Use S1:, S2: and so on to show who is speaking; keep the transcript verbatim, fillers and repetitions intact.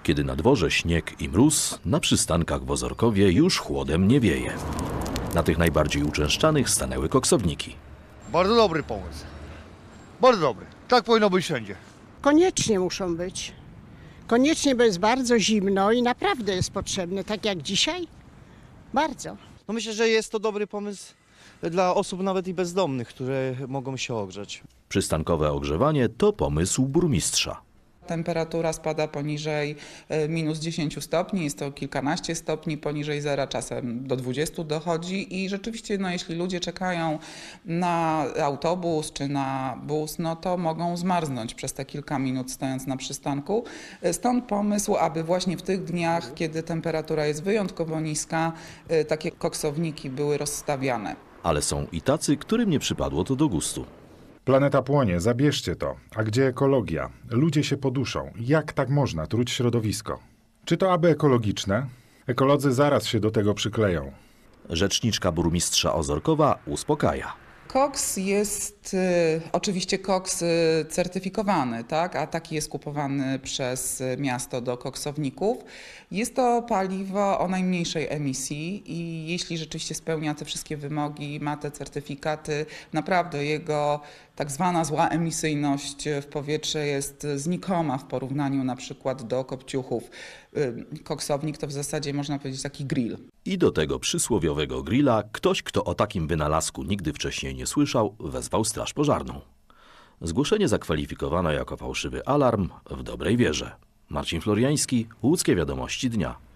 S1: Kiedy na dworze śnieg i mróz, na przystankach w Ozorkowie już chłodem nie wieje. Na tych najbardziej uczęszczanych stanęły koksowniki.
S2: Bardzo dobry pomysł. Bardzo dobry. Tak powinno być wszędzie.
S3: Koniecznie muszą być. Koniecznie, bo jest bardzo zimno i naprawdę jest potrzebne, tak jak dzisiaj. Bardzo.
S4: No myślę, że jest to dobry pomysł dla osób nawet i bezdomnych, które mogą się ogrzać.
S1: Przystankowe ogrzewanie to pomysł burmistrza.
S5: Temperatura spada poniżej minus dziesięć stopni, jest to kilkanaście stopni, poniżej zera czasem do dwudziestu dochodzi i rzeczywiście no, jeśli ludzie czekają na autobus czy na bus, no to mogą zmarznąć przez te kilka minut stojąc na przystanku. Stąd pomysł, aby właśnie w tych dniach, kiedy temperatura jest wyjątkowo niska, takie koksowniki były rozstawiane.
S1: Ale są i tacy, którym nie przypadło to do gustu.
S6: Planeta płonie, zabierzcie to. A gdzie ekologia? Ludzie się poduszą. Jak tak można truć środowisko? Czy to aby ekologiczne? Ekolodzy zaraz się do tego przykleją.
S1: Rzeczniczka burmistrza Ozorkowa uspokaja.
S5: Koks jest y, oczywiście koks y, certyfikowany, tak? A taki jest kupowany przez miasto do koksowników. Jest to paliwo o najmniejszej emisji i jeśli rzeczywiście spełnia te wszystkie wymogi, ma te certyfikaty, naprawdę jego tak zwana zła emisyjność w powietrze jest znikoma w porównaniu na przykład do kopciuchów. Y, koksownik to w zasadzie można powiedzieć taki grill.
S1: I do tego przysłowiowego grilla ktoś, kto o takim wynalazku nigdy wcześniej nie słyszał, wezwał straż pożarną. Zgłoszenie zakwalifikowano jako fałszywy alarm w dobrej wierze. Marcin Floriański, Łódzkie Wiadomości Dnia.